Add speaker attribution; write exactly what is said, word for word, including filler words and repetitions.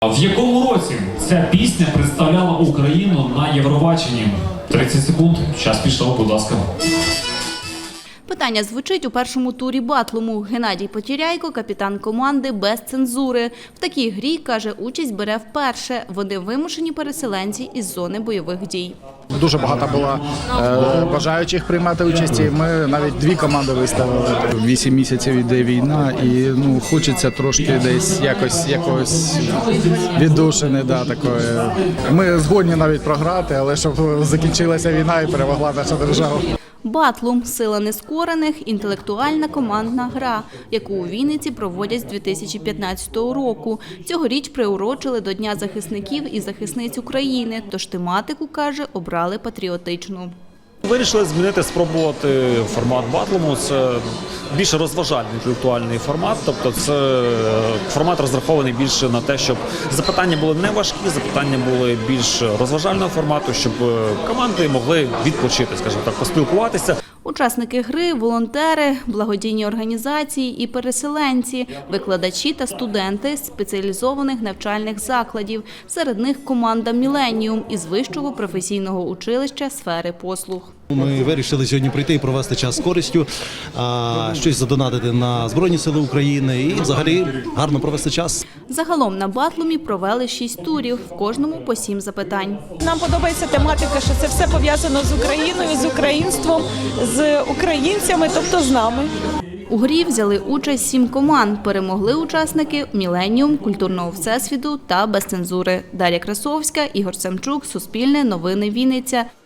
Speaker 1: В якому році ця пісня представляла Україну на Євробаченні? тридцять секунд. Час пішов, будь ласка.
Speaker 2: Питання звучить у першому турі батлому. Геннадій Потіряйко – капітан команди «Без цензури». В такій грі, каже, участь бере вперше. Вони вимушені переселенці із зони бойових дій.
Speaker 3: Дуже багато було е, бажаючих приймати участь. Ми навіть дві команди виставили. Вісім місяців йде війна, і ну хочеться трошки десь якось якось віддушини. Да, такої. Ми згодні навіть програти, але щоб закінчилася війна і перемогла наша держава.
Speaker 2: Батлум – сила нескорених, інтелектуальна командна гра, яку у Вінниці проводять з дві тисячі п'ятнадцятого року. Цьогоріч приурочили до Дня захисників і захисниць України, тож тематику, каже, обрали патріотичну.
Speaker 4: Вирішили змінити, спробувати формат батлому. Це більш розважальний інтелектуальний формат, тобто це формат розрахований більше на те, щоб запитання були не важкі, запитання були більш розважального формату, щоб команди могли відпочити, скажімо так, поспілкуватися.
Speaker 2: Учасники гри – волонтери, благодійні організації і переселенці, викладачі та студенти з спеціалізованих навчальних закладів. Серед них команда «Міленіум» із Вищого професійного училища сфери послуг.
Speaker 5: Ми вирішили сьогодні прийти і провести час з користю, щось задонатити на Збройні Сили України і взагалі гарно провести час.
Speaker 2: Загалом на батлумі провели шість турів, в кожному по сім запитань.
Speaker 6: Нам подобається тематика, що це все пов'язано з Україною, з українством, з українцями, тобто з нами.
Speaker 2: У грі взяли участь сім команд. Перемогли учасники «Міленіум», «Культурного всесвіту» та «Без цензури». Дар'я Красовська, Ігор Самчук, Суспільне, Новини Вінниця.